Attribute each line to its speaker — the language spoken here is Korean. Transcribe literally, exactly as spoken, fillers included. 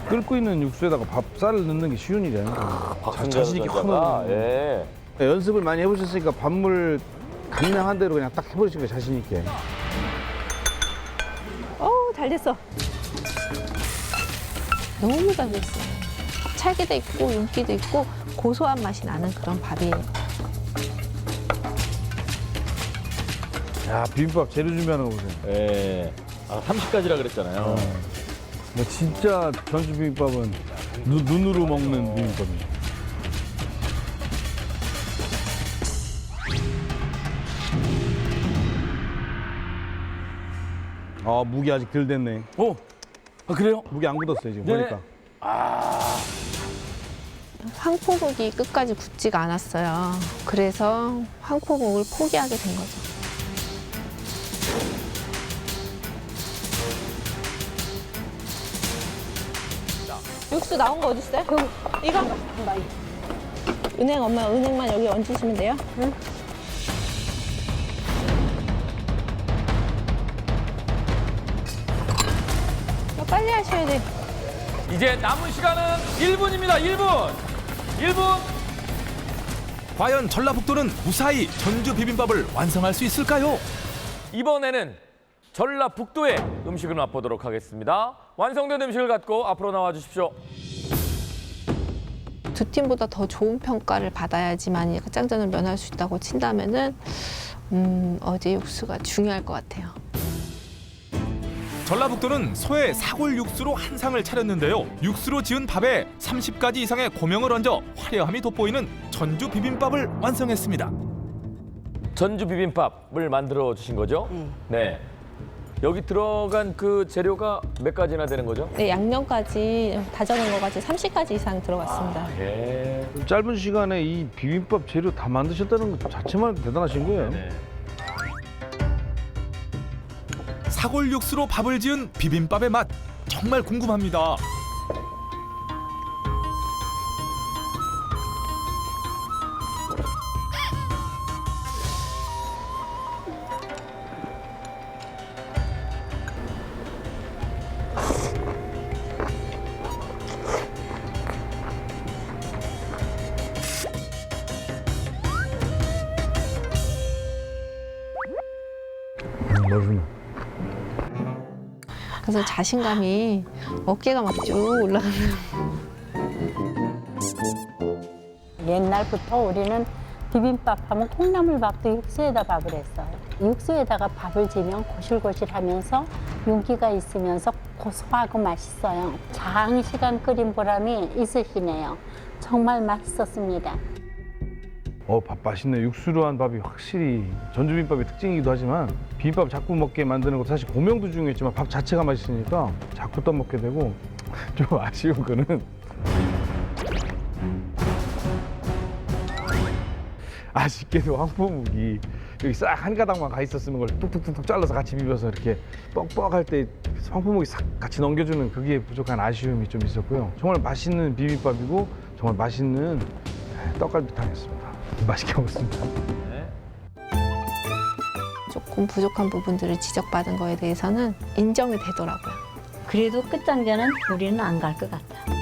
Speaker 1: 끓고 있는 육수에다가 밥쌀을 넣는 게 쉬운 일이 아니에요. 자신 있게 확 넣는.
Speaker 2: 예.
Speaker 1: 연습을 많이 해보셨으니까 밥물 가능한 대로 그냥 딱 해보시니까 자신 있게.
Speaker 3: 어우, 잘 됐어. 너무 잘 됐어요. 찰기도 있고 윤기도 있고 고소한 맛이 나는 그런 밥이에요.
Speaker 1: 야, 비빔밥 재료 준비하는 거 보세요.
Speaker 2: 예. 아, 삼십 가지라 그랬잖아요.
Speaker 1: 뭐 진짜 전주 비빔밥은 눈, 눈으로 먹는 비빔밥이에요. 아, 무기 아직 덜 됐네.
Speaker 2: 오, 아, 그래요?
Speaker 1: 무기 안 굳었어요, 지금
Speaker 2: 네.
Speaker 1: 보니까.
Speaker 3: 황포묵이 끝까지 굳지가 않았어요. 그래서 황포묵을 포기하게 된 거죠. 육수 나온 거 어디 있어요? 여기. 이거? 은행 엄마 은행만 여기 얹으시면 돼요. 응. 이거 빨리 하셔야 돼.
Speaker 2: 이제 남은 시간은 일 분입니다. 일 분. 일 분.
Speaker 4: 과연 전라북도는 무사히 전주 비빔밥을 완성할 수 있을까요?
Speaker 2: 이번에는 전라북도의 음식을 맛보도록 하겠습니다. 완성된 음식을 갖고 앞으로 나와 주십시오.
Speaker 3: 두 팀보다 더 좋은 평가를 받아야지만 짱전을 면할 수 있다고 친다면은 음, 어제 육수가 중요할 것 같아요.
Speaker 4: 전라북도는 소의 사골 육수로 한 상을 차렸는데요. 육수로 지은 밥에 삼십 가지 이상의 고명을 얹어 화려함이 돋보이는 전주 비빔밥을 완성했습니다.
Speaker 2: 전주 비빔밥을 만들어 주신 거죠? 네. 여기 들어간 그 재료가 몇 가지나 되는 거죠?
Speaker 3: 네, 양념까지 다져낸 거까지 삼십 가지 이상 들어갔습니다.
Speaker 2: 예.
Speaker 1: 짧은 시간에 이 비빔밥 재료 다 만드셨다는 것 자체만 대단하신 거예요.
Speaker 2: 네.
Speaker 4: 사골 육수로 밥을 지은 비빔밥의 맛 정말 궁금합니다.
Speaker 1: 음, 맛있네.
Speaker 3: 그래서 자신감이 어깨가 막 쭉 올라가는.
Speaker 5: 옛날부터 우리는 비빔밥 하면 콩나물밥도 육수에다 밥을 했어요. 육수에다가 밥을 지면 고실고실하면서 윤기가 있으면서 고소하고 맛있어요. 장시간 끓인 보람이 있으시네요. 정말 맛있었습니다.
Speaker 1: 어, 밥 맛있네. 육수로 한 밥이 확실히 전주 비빔밥의 특징이기도 하지만 비빔밥 자꾸 먹게 만드는 것도 사실 고명도 중요했지만 밥 자체가 맛있으니까 자꾸 떠먹게 되고 좀 아쉬운 거는 아쉽게도 황포묵이 여기 싹 한 가닥만 가 있었으면 그걸 뚝뚝뚝뚝 잘라서 같이 비벼서 이렇게 뻑뻑할 때 황포묵이 싹 같이 넘겨주는 그게 부족한 아쉬움이 좀 있었고요. 정말 맛있는 비빔밥이고 정말 맛있는 떡갈비탕이었습니다. 맛있게 먹었습니다.
Speaker 3: 조금 부족한 부분들을 지적받은 거에 대해서는 인정이 되더라고요.
Speaker 5: 그래도 끝장전은 우리는 안 갈 것 같아.